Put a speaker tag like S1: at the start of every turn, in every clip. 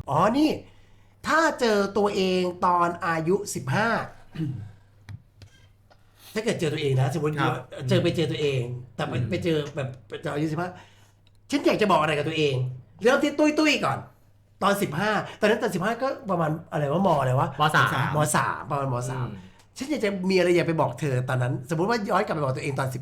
S1: อ๋อนี่ถ้าเจอตัวเองตอนอายุ15ถ้าเกิดเจอตัวเองนะสมมติเจอตัวเองแต่ไปเจอแบบตอนอายุ15ฉันอยากจะบอกอะไรกับตัวเองเริ่มที่ตุ้ยก่อนตอน15ตอนนั้นตอน15ก็ประมาณอะไรว่ามอะไรวะ
S2: ม.3
S1: ประมาณม.3ฉันอยากจะมีอะไรอยากไปบอกเธอตอนนั้นสมมติว่าย้อนกลับไปบอกตัวเองตอน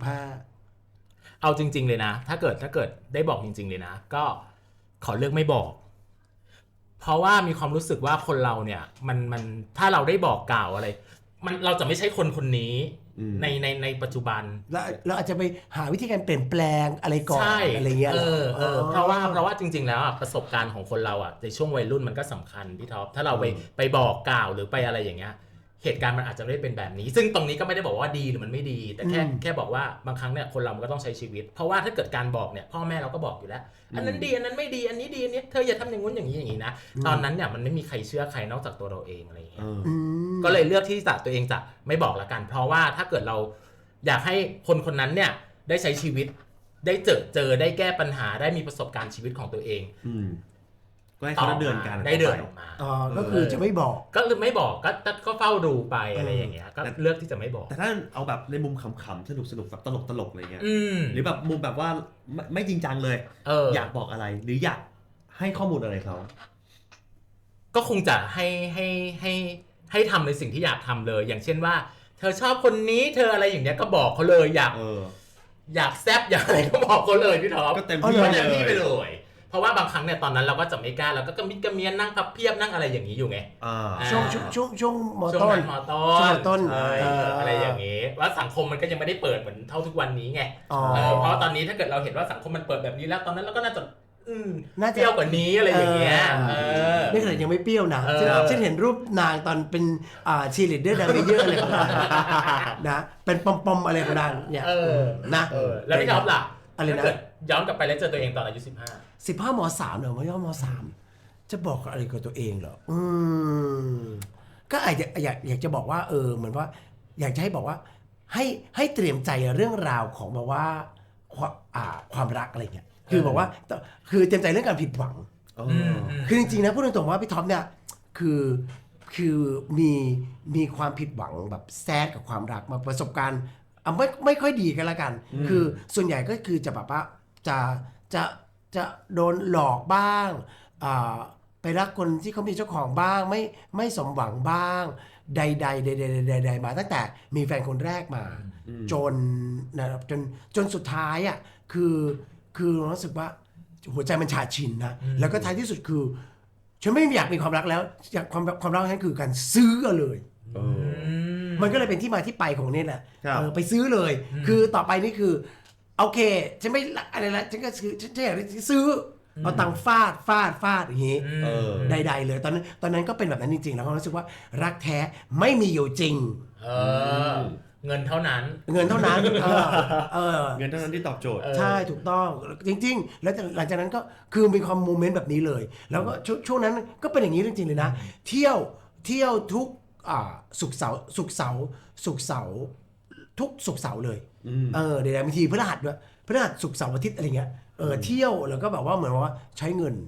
S1: 15
S2: เอาจริงๆเลยนะถ้าเกิดได้บอกจริงๆเลยนะก็ขอเลือกไม่บอกเพราะว่ามีความรู้สึกว่าคนเราเนี่ยมันถ้าเราได้บอกกล่าวอะไรมันเราจะไม่ใช่คนนี้ในปัจจุบัน
S1: แล้วเราอาจจะไปหาวิธีการเปลี่ยนแปลงอะไรก่อนอะไรเงี้ย
S2: เพราะว่าจริงๆแล้วประสบการณ์ของคนเราในช่วงวัยรุ่นมันก็สำคัญพี่ท็อปถ้าเราไปบอกกล่าวหรือไปอะไรอย่างเงี้ยเหตุการณ์มันอาจจะไม่ได้เป็นแบบนี้ซึ่งตรงนี้ก็ไม่ได้บอกว่าดีหรือมันไม่ดีแต่แค่บอกว่าบางครั้งเนี่ยคนเรามันก็ต้องใช้ชีวิตเพราะว่าถ้าเกิดการบอกเนี่ยพ่อแม่เราก็บอกอยู่แล้วอันนั้นดีอันนั้นไม่ดีอันนี้ดีอันนี้เธออย่าทำอย่างงู้นอย่างนี้นะตอนนั้นเนี่ยมันไม่มีใครเชื่อใครนอกจากตัวเราเองอะไรอย่างเงี้ยก็เลยเลือกที่จะตัวเองจะไม่บอกละกันเพราะว่าถ้าเกิดเราอยากให้คนนั้นเนี่ยได้ใช้ชีวิตได้เจอได้แก้ปัญหาได้มีประสบการณ์ชีวิตของตัวเอง
S3: ก็ให้เขาเดินกัน
S2: ได้เดินออกมา
S1: ก็คือจะไม่บอก
S2: ก็ไม่บอกก็เฝ้าดูไปอะไรอย่างเงี้ยก็เลือกที่จะไม่บอก
S3: แต่ถ้าเอาแบบในมุมขำๆสนุกแบบตลกอะไรเงี้ยหรือแบบมุมแบบว่าไม่จริงจังเลยอยากบอกอะไรหรืออยากให้ข้อมูลอะไรเขา
S2: ก็คงจะให้ทำในสิ่งที่อยากทำเลยอย่างเช่นว่าเธอชอบคนนี้เธออะไรอย่างเงี้ยก็บอกเขาเลยอยากแซบอยากอะไรก็บอกเขาเลยพี่ท็อป
S3: ก็เต็มที่
S2: ไปเลยเพราะว่าบางครั้งเนี่ยตอนนั้นเราก็จะไม่กล้าเราก็กระมิดกระเมียนนั่งพับเพียบนั่งอะไรอย่างนี้อยู่ไง
S1: ช่วงมต้น
S2: อะไรอย่างนี้ว่าสังคมมันก็ยังไม่ได้เปิดเหมือนเท่าทุกวันนี้ไงเพราะตอนนี้ถ้าเกิดเราเห็นว่าสังคมมันเปิดแบบนี้แล้วตอนนั้นเราก็น่าจะเปรี้ยวกว่านี้อะไรอย่างเงี้ย
S1: นี่ขนาดยังไม่เปรี้ยวนะฉันเห็นรูปนางตอนเป็นชีลีดเดอร์ดังเยอะอะไรของนางนะเป็นปอมอะไรของนางเนี่ยนะ
S2: แล้วพี่ท็อปล่ะอะไรนะย้อนกลับไปแล้วเจอตัวเองตอนอายุ15
S1: ม.3เหรอไม่ย่อม.3จะบอกอะไรกับตัวเองเหรอก็อยากจะบอกว่าเหมือนว่าอยากจะให้บอกว่าให้เตรียมใจเรื่องราวของแบบว่าความรักอะไรเงี้ยคือบอกว่าคือเตรียมใจเรื่องการผิดหวังคือจริงๆนะพูดตรงๆว่าพี่ท็อปเนี่ยคือมีความผิดหวังแบบแซดกับความรักมาประสบการณ์ไม่ค่อยดีกันละกันคือส่วนใหญ่ก็คือจะแบบว่าจะโดนหลอกบ้างไปรักคนที่เขามีเจ้าของบ้างไม่สมหวังบ้างใดมาตั้งแต่มีแฟนคนแรกมาจนนะครับจนสุดท้ายคือรู้สึกว่าหัวใจมันชาชินนะแล้วก็ท้ายที่สุดคือฉันไม่อยากมีความรักแล้วอยากความรักนั้นคือการซื้อเลยมันก็เลยเป็นที่มาที่ไปของนี่แหละไปซื้อเลยคือต่อไปนี่คือโอเคฉันไม่อะไรละฉันก็ซื้อฉันอยากซื้อเอาตังค์ฟาดอย่างงี้ใดๆเลยตอนนั้นก็เป็นแบบนั้นจริงๆแล้วก็รู้สึกว่ารักแท้ไม่มีอยู่จริง
S2: เงินเท่านั้น
S1: เงินเท่านั้น
S3: ที่ตอบโจทย์
S1: ใช่ถูกต้องจริงๆแล้วหลังจากนั้นก็คือมีความโมเมนต์แบบนี้เลยแล้วก็ช่วงนั้นก็เป็นอย่างนี้จริงๆเลยนะเที่ยวทุกศุกร์เสาร์ทุกศุกร์เสาร์เลยเดี๋ยวบางทีพฤหัสด้วยพฤหัสศุกร์เสาร์อาทิตย์อะไรเงี้ยเที่ยวแล้วก็แบบว่าเหมือนว่าใช้เงิน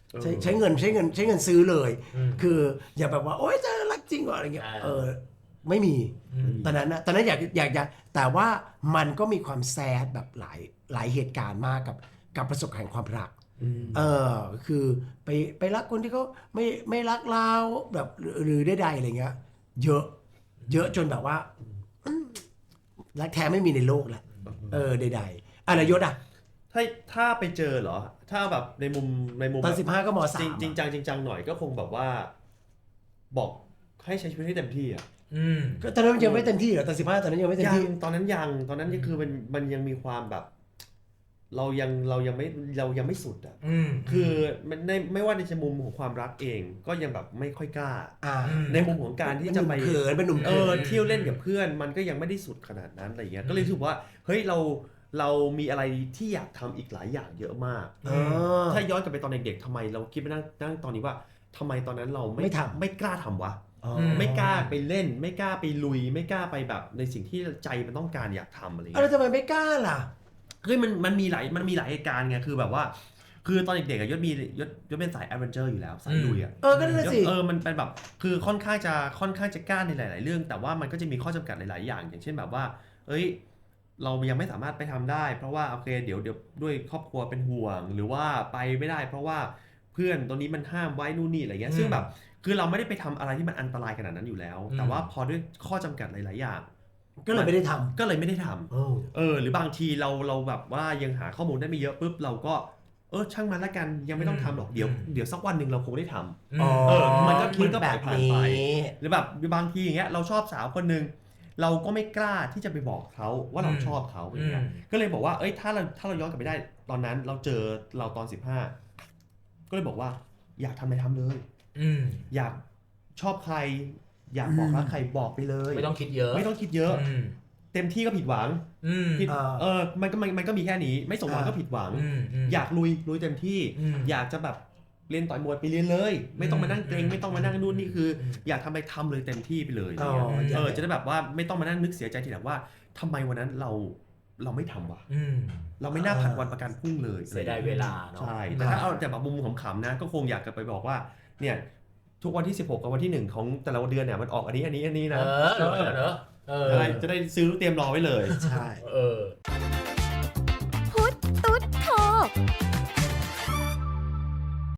S1: ซื้อเลยคืออย่าแบบว่าโอ๊ยจะรักจริงกว่าอะไรเงี้ยไม่มีตอนนั้นอยากแต่ว่ามันก็มีความแซดแบบหลายเหตุการณ์มากกับประสบการณ์ความรักคือไปรักคนที่เขาไม่รักเราแบบหรือใดๆอะไรเงี้ยเยอะจนแบบว่ารักแท้ไม่มีในโลกแหละใดๆอะไรยศ
S3: ถ้าไปเจอเหรอถ้าแบบในมุม
S1: ตอน15ก็ม.3
S3: จริงจังหน่อยก็คงแบบว่าบอกให้ใช้ชีวิตให้เต็มที่
S1: ก็ตอนนั้นยังไม่เต็มที่เหรอตอน15ตอนนั้นยังไม่เต็มที่
S3: ตอนนั้นคือมันยังมีความแบบเรายังไม่สุดคือมันไม่ว่าในมุมของความรักเองก็ยังแบบไม่ค่อยกล้าในมุมของการที่จะไป
S1: เป็นหนุ่ม
S3: เที่ยวเล่นกับเพื่อนมันก็ยังไม่ได้สุดขนาดนั้นอะไรเงี้ยก็เลยรู้สึกว่าเฮ้ยเรามีอะไรที่อยากทำอีกหลายอย่างเยอะมากถ้าย้อนกลับไปตอนเด็กๆทำไมเราคิดไปนั่งตอนนี้ว่าทำไมตอนนั้นเราไม่กล้าทำวะไม่กล้าไปเล่นไม่กล้าไปลุยไม่กล้าไปแบบในสิ่งที่ใจมันต้องการอยากทำอะไรเงี้ย
S1: แล้วทำไมไม่กล้าล่ะ
S3: เฮ้ยมันมีหลายเหตุการณ์ไงคือแบบว่าคือตอนเด็กๆอะยศเป็นสายแอดเวนเจอร์อยู่แล้วสายลุยอะ
S1: ก็นั่นแหละสิ
S3: มันเป็นแบบคือค่อนข้างจะกล้าในหลาย ๆ เรื่อง แต่ว่ามันก็จะมีข้อจำกัดหลาย ๆ อย่าง อย่างเช่นแบบว่าเอ้ยเรายังไม่สามารถไปทำได้เพราะว่าโอเคเดี๋ยวด้วยครอบครัวเป็นห่วงหรือว่าไปไม่ได้เพราะว่าเพื่อนตัวนี้มันห้ามไว้นู่นนี่อะไรเงี้ยซึ่งแบบคือเราไม่ได้ไปทำอะไรที่มันอันตรายขนาดนั้นอยู่แล้ว แต่ว่าพอด้วยข้อจำกัดหลาย ๆ อย่าง
S1: ก็เลยไม่ได้ท
S3: ก็เลยไม่ได้ท
S1: ำ
S3: ำหรือบางทีเราแบบว่ายังหาข้อมูลได้ไม่เยอะปุ๊บเราก็ช่างมันละกันยังไม่ต้องทำหรอกเดี๋ยวสักวันหนึ่งเราคงได้ทำมันก็
S1: คิด
S3: ผ่า
S1: แบ
S3: น
S1: บ
S3: ไป
S1: นี้
S3: หรือแบบบางทีอย่างเงี้ยเราชอบสาวคนหนึ่งเราก็ไม่กล้าที่จะไปบอกเขาว่าเราชอบเขาอย่างเงี้ยก็เลยบอกว่าถ้าเราย้อนกลับไปได้ตอนนั้นเราเจอเราตอน15ก็เลยบอกว่าอยากทำอะไรทำเลยอยากชอบใครอยากบอกรักใครบอกไปเลย
S2: ไม่ต้องคิดเยอะ
S3: ไม่ต้องคิดเยอะเต็มที่ก็ผิดหวังผิดมันก็มีแค่นี้ไม่สมหวังก็ผิดหวังอยากลุยเต็มที่อยากจะแบบเรียนต่อยมวยไปเรียนเลยไม่ต้องมานั่งเกรงไม่ต้องมานั่งนู่นนี่คืออยากทำอะไรทำเลยเต็มที่ไปเลยจะได้แบบว่าไม่ต้องมานั่งนึกเสียใจทีหลังว่าทำไมวันนั้นเราไม่ทำวะเราไม่น่าผัดวันประกันพรุ่งเลย
S2: เสียดายเวลาเนาะ
S3: ใช่แต่ถ้าเอาแต่แบบมุมขำๆนะก็คงอยากจะไปบอกว่าเนี่ยทุกวันที่16กับวันที่1ของแต่ละเดือนเนี่ยมันออกอันนี้นะจะได้ซื้อเตรียมรอไว้เลย
S1: ใช่